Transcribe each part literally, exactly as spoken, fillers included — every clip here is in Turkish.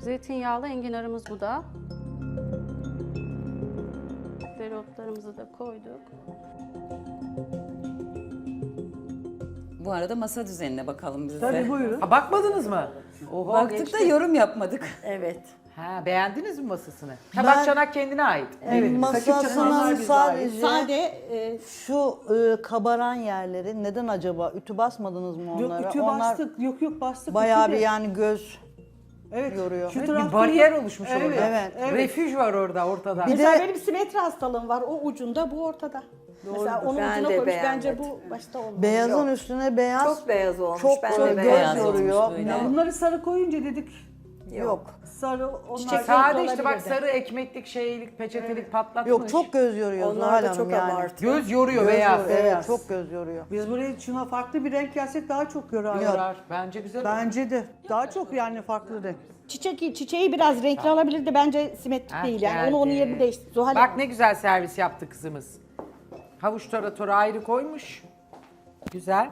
Zeytinyağlı enginarımız bu da. Dereotlarımızı da koyduk. Bu arada masa düzenine bakalım biz de. Tabii buyurun. Ha, bakmadınız mı? Oho, Baktık geçti. da yorum yapmadık. Evet. Ha, beğendiniz mi masasını? Tabak çanak kendine ait. Evet, Masasının bize ait. sadece Sade e, şu e, kabaran yerleri neden acaba? Ütü basmadınız mı onlara? Yok ütü Onlar bastık. Yok yok bastık. bayağı ütü bir de. yani göz Evet. yoruyor. Şu Evet, tarafta bir bariyer yok. oluşmuş Evet, orada. evet, evet. Refüj var orada ortada. Bir mesela de- benim simetri hastalığım var. O ucunda, bu ortada. Mesela onu Ben ucuna de koymuş. Bence beğenmedim. bu başta olmalı. Beyazın üstüne beyaz Çok beyaz olmuş. çok ben çok de göz beğendim. yoruyor. olmuş böyle. Ya bunları sarı koyunca dedik. Yok. Sarı onlar Çiçek Sade renkli işte bak olabilirdi. sarı ekmeklik şeylik peçetelik patlatmış. Yok çok göz yoruyor Onlar Zuhal da Hanım çok yani. abartı. Göz yoruyor Göz beyaz. yoruyor, evet Beyaz. çok göz yoruyor. Biz buraya şuna farklı bir renk gelsek daha çok yorar. Yorar. Bence güzel oldu. Bence de. Daha çok yani farklı renk. Çiçek, çiçeği biraz renkli alabilirdi. Bence simetrik Ha, değil yani. Onu onun geldi. yerini değiştir. Zuhal Bak Hanım. ne güzel servis yaptı kızımız. Havuç taratoru ayrı koymuş. Güzel.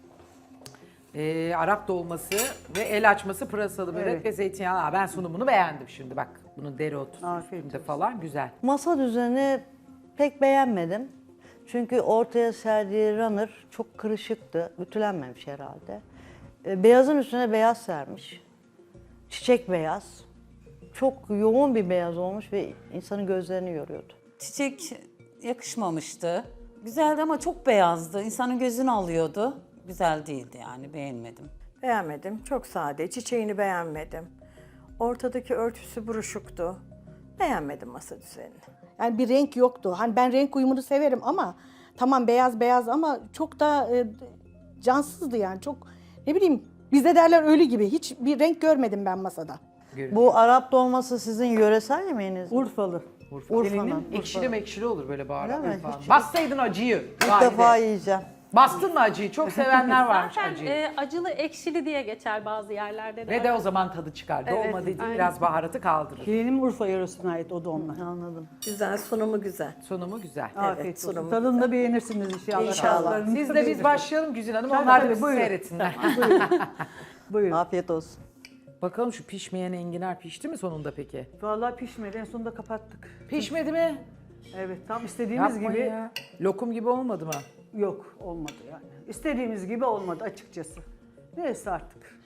Ee, Arap dolması ve el açması pırasalı börek Evet. ve zeytinyağlı. Aa, ben sunumunu beğendim şimdi bak. Bunun dereotu Afiyet üstünde falan güzel. Masa düzeni pek beğenmedim. Çünkü ortaya serdiği runner çok kırışıktı. Ütülenmemiş herhalde. E, Beyazın üstüne beyaz sermiş. Çiçek beyaz. Çok yoğun bir beyaz olmuş ve insanın gözlerini yoruyordu. Çiçek yakışmamıştı. Güzeldi ama çok beyazdı. İnsanın gözünü alıyordu. Güzel değildi yani, beğenmedim. Beğenmedim. Çok sade. Çiçeğini beğenmedim. Ortadaki örtüsü buruşuktu. Beğenmedim masa düzenini. Yani bir renk yoktu. Hani ben renk uyumunu severim ama tamam beyaz beyaz ama çok da e, cansızdı yani. Çok ne bileyim bizde derler ölü gibi. Hiç bir renk görmedim ben masada. Bu Arap dolması sizin yöresel yemeğiniz mi? Urfalı. Urfa'nın. Ekşili mekşili olur böyle baharat Öyle mi? falan. Hiç- Bassaydın acıyı. İlk Valide. defa yiyeceğim. Bastın mı acıyı? Çok sevenler varmış Zaten acıyı. e, acılı ekşili diye geçer bazı yerlerde de. Ve de o zaman tadı çıkar. Evet, Dolma dediğin aynen. biraz baharatı kaldırır. Gelinim Urfa yöresine ait o da onlar. Anladım. Güzel, sunumu güzel. Sunumu güzel. Afiyet olsun. sunumu Tadını da beğenirsiniz inşallah. İnşallah. Tatlarını Siz da de biz beğenirsiniz. başlayalım Güzin Hanım. Tabii, Onlar da tabii, bizi buyurun. seyretsinler. Buyurun. Afiyet olsun. Bakalım şu pişmeyen enginar pişti mi sonunda peki? Vallahi pişmedi. En sonunda kapattık. Pişmedi mi? Evet tam istediğimiz Yapma gibi ya. Lokum gibi olmadı mı? yok olmadı yani. İstediğimiz gibi olmadı açıkçası. Neyse artık.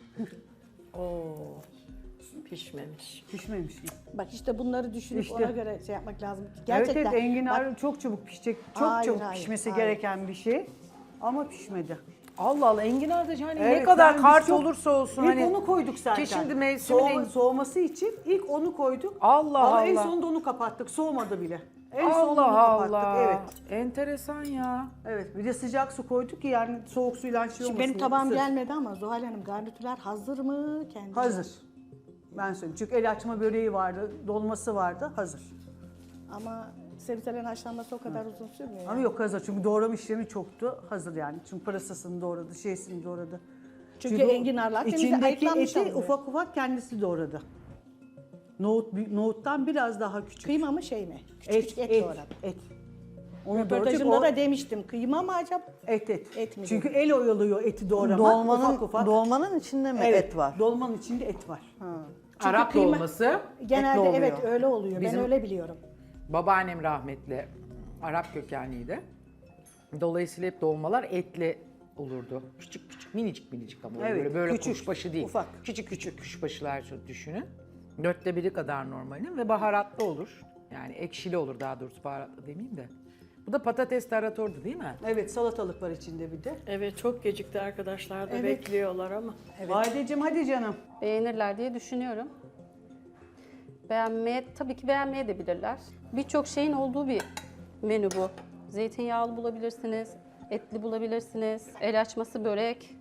Oo, pişmemiş. Pişmemiş. Bak işte bunları düşünüp İşte. ona göre şey yapmak lazım. Evet Gerçekten. evet enginar Bak, çok çabuk pişecek. Çok Hayır, çabuk hayır, pişmesi hayır. gereken bir şey. Ama pişmedi. Allah Allah enginar da yani ne Evet, kadar ben kart biz çok- olursa olsun İlk hani. onu koyduk zaten. Ki şimdi mevsimin Soğuma- en- soğuması için ilk onu koyduk. Allah Ama en Allah. sonunda onu kapattık. Soğumadı bile. En sonunda onu Allah kapattık. Allah. Evet. Enteresan ya. Evet. Bir de sıcak su koyduk ki yani soğuk suyla şey Şimdi olmasın. benim tabağım ısır. gelmedi ama Zuhal Hanım garnitürler hazır mı? Kendi Hazır. Ben söyleyeyim. Çünkü el açma böreği vardı, dolması vardı. Hazır. Ama sebzelerin haşlanması o kadar uzun sürmüyor. Ama yani. yok hazır. Çünkü doğrama işlemi çoktu. Hazır yani. Çünkü pırasasını doğradı, şeysini doğradı. Çünkü enginarlar temizle içindeki ayıklanmış eti alınıyor. ufak ufak kendisi doğradı. Nohut, nohuttan biraz daha küçük. Kıyma mı şey mi? Küçük et, küçük et, et, doğradım. et. Onu doğrayacak. Röportajımda O da demiştim kıyma mı acaba? et et. Et mi Çünkü el oyalıyor eti doğramak. Dolmanın, ufak ufak. dolmanın içinde mi Evet, et var? Dolmanın içinde et var. Çünkü Arap kıyma- dolması. Genelde oluyor. evet öyle oluyor. Bizim- Ben öyle biliyorum. Babaannem rahmetli Arap kökenliydi. Dolayısıyla hep dolmalar etli olurdu. Küçük küçük minicik minicik ama Evet, böyle böyle küçük, kuşbaşı değil. ufak. Küçük küçük kuşbaşılar düşünün. Dörtte biri kadar normalin ve baharatlı olur. Yani ekşili olur daha doğrusu baharatlı demeyeyim de. Bu da patates taratordu değil mi? Evet salatalık var içinde bir de. Evet, çok gecikti arkadaşlar da Evet. bekliyorlar ama. Valideciğim hadi canım. Beğenirler diye düşünüyorum. Beğenmeye, tabii ki beğenmeye de bilirler. Birçok şeyin olduğu bir menü bu. Zeytinyağlı bulabilirsiniz, etli bulabilirsiniz, el açması börek.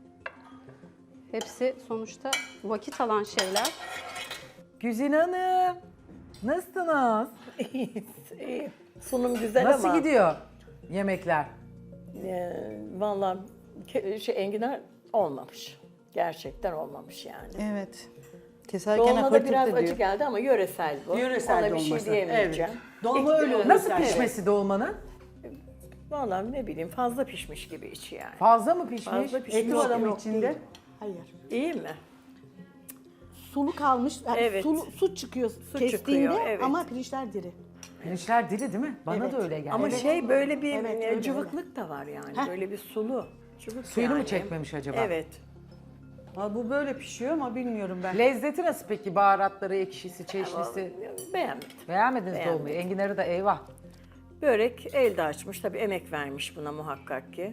Hepsi sonuçta vakit alan şeyler. Güzin Hanım, nasılsınız? İyi. Sunum güzel Nasıl ama. gidiyor yemekler? E, Vallahi ke- şey, enginar olmamış. Gerçekten olmamış yani. Evet. Keserken Dolma da biraz diyor. acı geldi ama yöresel bu. Yöresel Ona bir şey dolması. diyemeyeceğim. Evet. Dolma öyle oluyor. Nasıl zaten. pişmesi dolmanın? Vallahi ne bileyim fazla pişmiş gibi içi yani. Fazla mı pişmiş? Fazla pişmiş. Eti var ama Yok, içinde. değil. Hayır. İyi mi? sulu kalmış. Yani Evet. sulu, su çıkıyor kestiğinde çıkıyor, evet. ama pirinçler diri. Pirinçler diri değil mi? Bana Evet. da öyle geldi. Ama şey böyle bir Evet, e, öyle, cıvıklık da var yani. Heh. Böyle bir sulu. Cıvık Suyunu mu yani. çekmemiş acaba? Evet. Ha, bu böyle pişiyor ama bilmiyorum ben. Lezzeti nasıl peki? Baharatları, ekşisi, çeşnisi. Beğenmedim. Beğenmediniz Beğenmedim. dolmayı. Enginarı da eyvah. Börek elde açmış. Tabii emek vermiş buna muhakkak ki.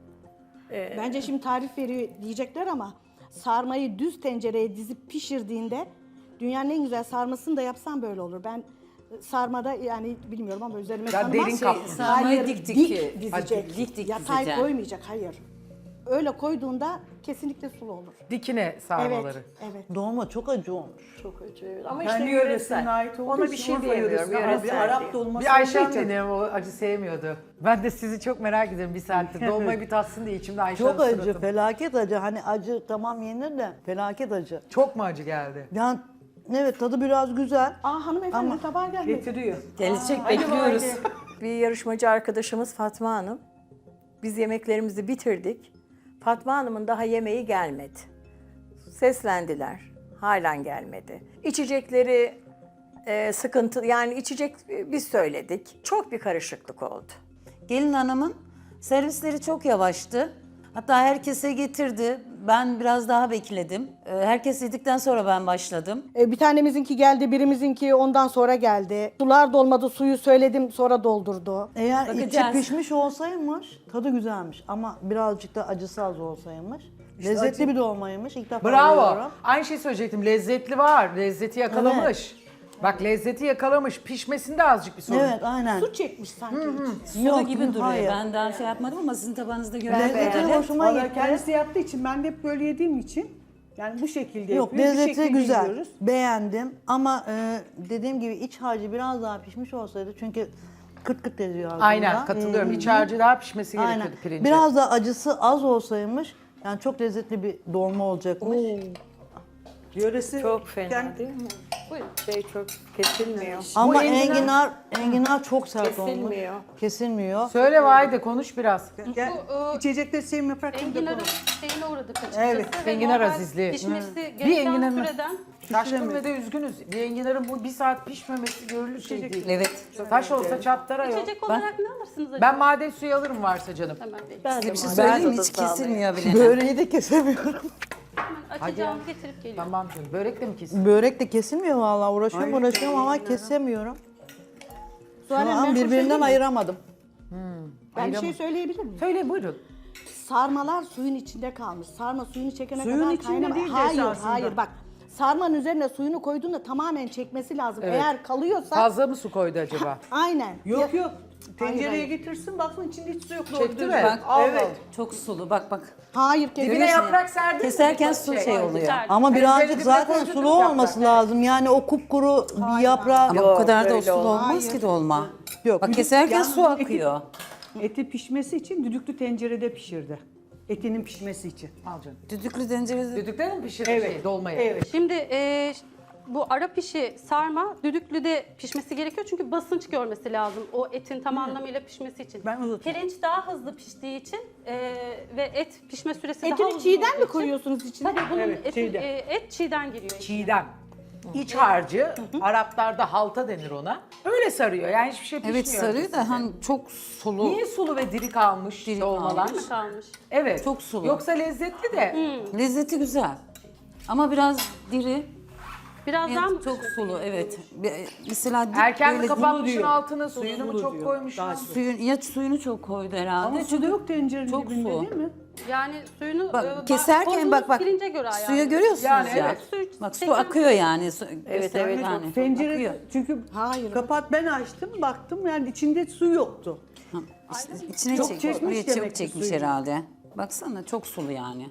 Bence şimdi tarif veriyor diyecekler ama sarmayı düz tencereye dizip pişirdiğinde dünyanın en güzel sarmasını da yapsam böyle olur. Ben sarmada yani bilmiyorum ama üzerime Ya tanımaz. derin kaplı. Sarmayı dik dik- dizecek. Hadi dik dik Yatay dizeceksin. koymayacak, hayır. Öyle koyduğunda kesinlikle sulu olur. Dikine sarmaları. Evet, evet. Dolma çok acı olmuş. Çok acı. evet. Ama Kendi işte yöresine yöresel. ait olduğu Ona bir için şey Urfa diyemiyorum. yöresine ait Yöresel bir değil. Arap dolması Bir Ayşe olduğu için. annem o acı sevmiyordu. Ben de sizi çok merak ediyorum bir saattir. Dolmayı bir tatsın diye içimde Ayşe Çok Hanım acı, suratım. felaket acı. Hani acı tamam yenir de felaket acı. Çok mu acı geldi? Yani evet tadı biraz güzel. Aa hanımefendi Ama- tabağa gelmedi. Getiriyor. Gelecek bekliyoruz. Bir yarışmacı arkadaşımız Fatma Hanım. Biz yemeklerimizi bitirdik. Fatma Hanım'ın daha yemeği gelmedi. Seslendiler. Halen gelmedi. İçecekleri e, sıkıntı, yani içecek e, biz söyledik. Çok bir karışıklık oldu. Gelin hanımın servisleri çok yavaştı. Hatta herkese getirdi. Ben biraz daha bekledim. Ee, Herkes yedikten sonra ben başladım. Ee, bir tanemizinki geldi, birimizinki ondan sonra geldi. Sular dolmadı, suyu söyledim sonra doldurdu. Eğer içi Bakacağız. pişmiş olsaymış tadı güzelmiş ama birazcık da acısı az olsaymış. Lezzetli bir dolmaymış. İlk defa Bravo. görüyorum. Aynı şeyi söyleyecektim. Lezzetli var. Lezzeti yakalamış. Bak lezzeti yakalamış. Pişmesinde azıcık bir sorun. Evet aynen. Su çekmiş sanki. Sulu Yok, gibi duruyor. hayır. Ben daha şey yapmadım ama sizin tabağınızda Lezzeti görebilirim. hoşuma Vallahi gitti. kendisi yaptığı için ben de hep böyle yediğim için yani bu şekilde Yok yapıyor. bu lezzeti şekilde güzel. yiyoruz. Beğendim ama e, dediğim gibi iç harcı biraz daha pişmiş olsaydı çünkü kırt kırt ediyor ağzımda. Aynen katılıyorum. Ee, İç harcı daha pişmesi Aynen. gerekiyordu pirinci. Biraz da acısı az olsaymış yani çok lezzetli bir dolma olacakmış. Yöresi Çok fena kendi- değil mi? Şey çok kesilmiyor. Ama Bu enginar- enginar enginar çok sert olmuş. Kesilmiyor. Kesilmiyor. Söyle Vahide konuş biraz. Gel, Bu, e, içecekleri sevim yaparak Enginar'ın şeyine uğradık açıkçası. Evet, Ve enginar normal azizliği. Pişmesi Bir gereken enginarın- süreden Şaşkın ve de üzgünüz. Bir enginarın bu bir saat pişmemesi görülür şey değil. Evet. Taş olsa çatlara yok. içecek olarak ne alırsınız acaba? Ben maden suyu alırım varsa canım. Hemen vereyim. Ben de Bir şey maden söyleyeyim mi? tadı Hiç sağlayayım. kesilmiyor bile. Böreği de kesemiyorum. Hemen açacağım getirip geliyorum. Tamam canım. Börek de mi kesin? Börek de kesilmiyor vallahi. Uğraşıyorum uğraşıyorum ama kesemiyorum. Şu Zuhal Hanım, ben an bir şey birbirinden söyleyeyim mi? ayıramadım. Ben bir şey söyleyebilir miyim? Söyle buyurun. Sarmalar suyun içinde kalmış. Sarma suyunu çekene Suyun kadar içinde kaynama. değil de Hayır, esasında. hayır bak. Sarmanın üzerine suyunu koyduğunda tamamen çekmesi lazım. Evet. Eğer kalıyorsa Fazla mı su koydu acaba? aynen. Yok Ya- yok. Tencereye hayır. getirsin baksın içinde hiç su yok. Çekti Doğru mi? düzgün. Bak, Evet. Çok sulu. Bak bak. Hayır, kesinlikle. Dibine yaprak serdin mi? Keserken su şey oluyor. Güzel. Ama Hani birazcık üzerine zaten koydurduk sulu yaprak, olması lazım. Yani o kupkuru bir yaprağı Ama bu kadar da o öyle sulu olmaz. olmaz ki dolma. yok. Bak keserken Yani su eti- akıyor. Eti pişmesi için düdüklü tencerede pişirdi. Etinin pişmesi için. Al canım. Düdüklü tencerede Düdükte mi pişirdin Evet. şey, dolmayı? Evet. Şimdi e, bu ara pişi sarma düdüklüde pişmesi gerekiyor çünkü basınç görmesi lazım o etin tam anlamıyla pişmesi için. Ben uzatıyorum. Pirinç daha hızlı piştiği için e, ve et pişme süresi daha Etini uzun çiğden olduğu mi için- koyuyorsunuz içine? Tabii bunun Evet, eti- çiğden. e, et çiğden giriyor. içine. Çiğdem. İç harcı, Araplarda halta denir ona. Öyle sarıyor yani hiçbir şey pişmiyor. Evet sarıyor da hani çok sulu. Niye sulu ve diri kalmış Diri dolmalar? kalmış. Kalmış. Evet. Çok sulu. Yoksa lezzetli de. Lezzeti güzel. Ama biraz diri. Biraz daha mı Evet, çok pişiyor? sulu evet. Bir- Mesela dip Erken mi böyle kapatmışsın diyor. altını, suyunu mu Sulu çok diyor. koymuşsun? Daha çok. suyun ya suyunu çok koydu herhalde. Ama su da yok tencerenin çok dibinde su. değil mi? Yani suyunu Bak, e, ba- keserken koyduğunuz bak bak pirince göre ayarlı. suyu görüyorsunuz Yani ya. evet. Suyu Bak su çeken- akıyor yani. Su, Evet, göster- evet. Yani. Tencere Akıyor. çünkü Hayır. kapat ben açtım baktım yani içinde su yoktu. Ha, işte içine Çok çek, çekmiş buraya demek çok ki çekmiş suyunu. herhalde. Baksana çok sulu yani.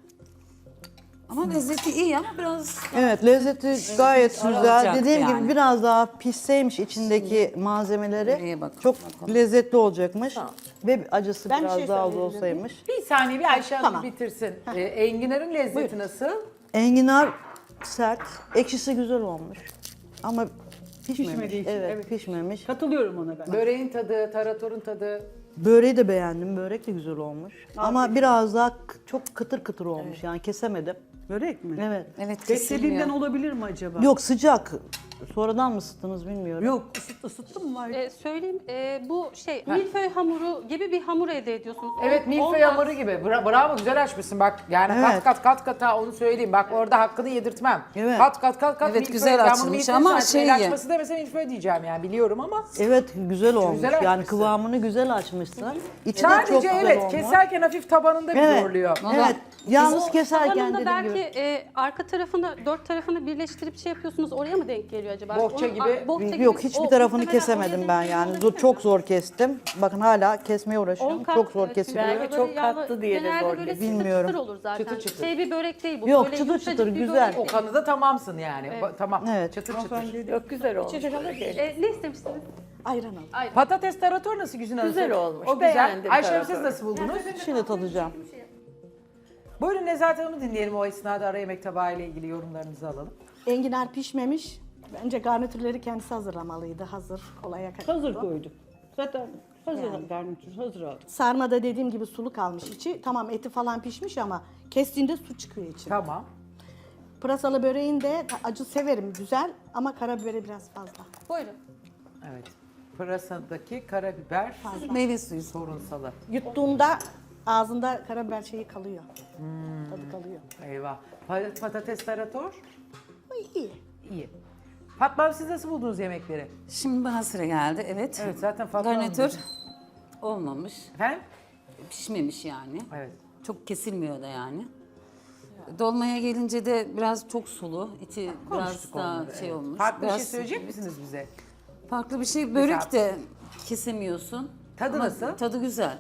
Ama lezzeti iyi ama biraz Evet lezzeti gayet güzel. olacaktı Dediğim yani. gibi biraz daha pişseymiş içindeki malzemeleri Nereye bakalım, çok bakalım. lezzetli olacakmış. Ve acısı Ben bir biraz şey daha az söyleyebilir olsaymış. Bir saniye bir Ayşe Hanım Tamam. bitirsin. Ee, enginarın lezzeti nasıl? Enginar sert, ekşisi güzel olmuş. Ama pişmemiş. Pişmediği için, evet, evet. pişmemiş. Katılıyorum ona ben. Böreğin tadı, taratorun tadı. Böreği de beğendim. Börek de güzel olmuş. Ama biraz daha k- çok kıtır kıtır olmuş. Yani kesemedim. Börek mi? Evet. Evet Beklediğimden kesilmiyor. olabilir mi acaba? Yok sıcak. Sonradan mı ısıttınız bilmiyorum. Yok, ısıt, ısıttın mı var? Ee, söyleyeyim, e, bu şey milföy hamuru gibi bir hamur elde ediyorsunuz. Evet O- milföy olmaz. hamuru gibi. Bra- bravo güzel açmışsın bak. Yani kat Evet. kat kat kat ha onu söyleyeyim. Bak orada hakkını yedirtmem. Evet. Kat kat kat kat Evet, milföy. güzel Ben bunu açılmış milföy ama zannettim. şey El ye. açması demese milföy diyeceğim yani biliyorum ama. Evet güzel olmuş. Güzel yani açmışsın. kıvamını güzel açmışsın. İçi de çok Sadece güzel evet olmuş. keserken hafif tabanında bir Evet. zorluyor. Evet. Yalnız O keserken tabanında dediğim belki gibi. e, arka tarafını, dört tarafını birleştirip şey yapıyorsunuz. Oraya mı denk geliyor acaba? Bohça Onun- gibi. a- bohça gibi- Yok hiçbir o tarafını muhtemelen kesemedim oraya ben denk yani. geliyor Zor, olabilir çok mi? zor kestim. Bakın hala kesmeye On uğraşıyorum. kat, Çok zor e, kesiliyor. Belki böyle çok yağlı- katlı diye de genelde zor böyle kesin. çıtır Bilmiyorum. çıtır olur zaten. Çıtır çıtır. Şey bir börek değil bu. Yok, Böyle çıtır yumuşacık çıtır, bir güzel. börek. O kanıda tamamsın yani. Ba- tamam. Evet. Çıtır çıtır. Yok güzel olmuş. E, ne istemiştiniz? Ayran al. Patates tarator nasıl Güzin Hanım? Güzel olmuş, O güzel. beğendim Ayşe Hanım siz tarator. nasıl buldunuz? Şimdi tadacağım. Buyurun Nezahat Hanım'ı dinleyelim o esnada ara yemek tabağı ile ilgili yorumlarınızı alalım. Enginar pişmemiş. Bence garnitürleri kendisi hazırlamalıydı. Hazır, kolaya kaçtı. Hazır koyduk. Zaten hazır garnitür, hazır aldık. Sarmada dediğim gibi sulu kalmış içi. Tamam eti falan pişmiş ama kestiğinde su çıkıyor içine. Tamam. Pırasalı böreğin de acı severim güzel ama karabiberi biraz fazla. Buyurun. Evet. Pırasadaki karabiber Meyve suyu. sorunsalı. Yuttuğunda ağzında karabiber şeyi kalıyor. Tadı kalıyor. Eyvah. Pa- Patates tarator Ama iyi. iyi. Fatma Hanım siz nasıl buldunuz yemekleri? Şimdi bana sıra geldi evet. Evet zaten Fatma Hanım Garnitür dedi. olmamış. Efendim? Pişmemiş yani. Evet. Çok kesilmiyor da yani. Dolmaya gelince de biraz çok sulu. İçi biraz Konuştuk daha onları, şey evet. olmuş. Farklı bir biraz şey söyleyecek misiniz bize? Farklı bir şey. Börek de kesemiyorsun. Tadı Ama nasıl? Tadı güzel.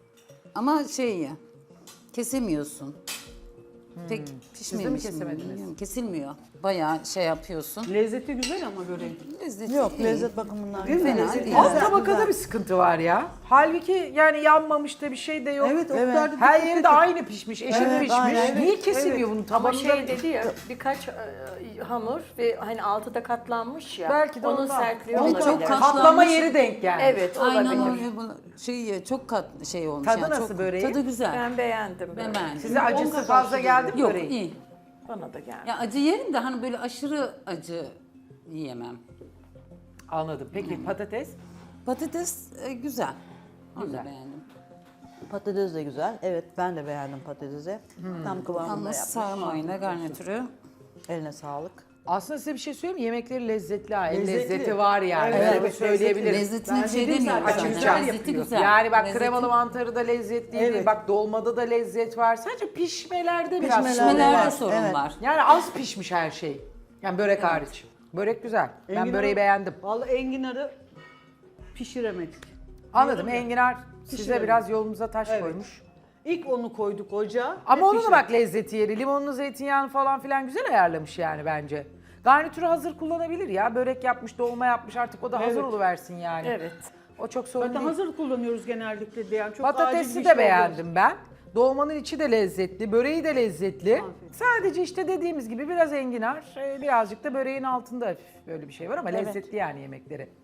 Ama şey ya, kesemiyorsun. Pek pişmemiş. mi kesemediniz? bilmiyorum. Kesilmiyor. Bayağı şey yapıyorsun. Lezzeti güzel ama böreğin. Lezzeti Yok iyi. lezzet bakımından. Değil mi? Fena Lezzeti değil. Alt güzel. tabakada bir sıkıntı var ya. Halbuki yani yanmamış da bir şey de yok. Evet, o Evet. kadar da Her dikkat yeri edin. de aynı pişmiş, eşit Evet, pişmiş. aynen. Niye kesilmiyor bunun Ama tabanında? şey dedi ya birkaç e, hamur ve hani altı da katlanmış ya. Belki de onun ondan. sertliği Evet, olabilir. çok kat- Katlama Katlanmış. yeri denk gelmiş. Evet Aynen olabilir. öyle. Bu Şey çok kat şey olmuş. Tadı yani. nasıl çok, böreğin? Tadı güzel. Ben beğendim. Ben böyle. beğendim. Size acısı fazla geldi mi Yok böreğin? iyi. Bana da geldi. Ya acı yerim de hani böyle aşırı acı yiyemem. Anladım. Peki patates? Patates e, güzel. Onu Güzel. da beğendim. Patates de güzel. Evet ben de beğendim patatesi. Tam kıvamında Yalnız yapmış. sarmayla garnitürü. Eline sağlık. Aslında size bir şey söyleyeyim mi? Yemekleri lezzetli ha. El Lezzetli. lezzeti var yani. Evet, Öyle evet, söyleyebilirim. Lezzetine Ben bir şey dedim demiyorum. zaten, zaten. Açınca Lezzeti yapıyor. güzel. Yani bak Lezzeti- kremalı mantarı da lezzetliydi. Evet. Bak dolmada da lezzet var. Sadece pişmelerde biraz Pişmelerde sorun Pişmelerde var. sorun Evet. var. Yani az pişmiş her şey. Yani börek hariç. Börek güzel. Ben Enginarı- böreği beğendim. Vallahi enginarı pişiremedik. Anladım. Enginar size Pişirelim. biraz yolumuza taş Evet. koymuş. İlk onu koyduk ocağa. Ama ve onun da pişirdik. bak lezzeti yeri. Limonlu zeytinyağını falan filan güzel ayarlamış yani bence. Garnitürü hazır kullanabilir ya. Börek yapmış, dolma yapmış artık o da hazır Evet. oluversin yani. Evet. O çok sorun Zaten değil. hazır kullanıyoruz genellikle de yani çok acil Patatesi bir de şey beğendim ben. Dolmanın içi de lezzetli, böreği de lezzetli. Sadece işte dediğimiz gibi biraz enginar, e, birazcık da böreğin altında hafif böyle bir şey var ama lezzetli yani yemekleri.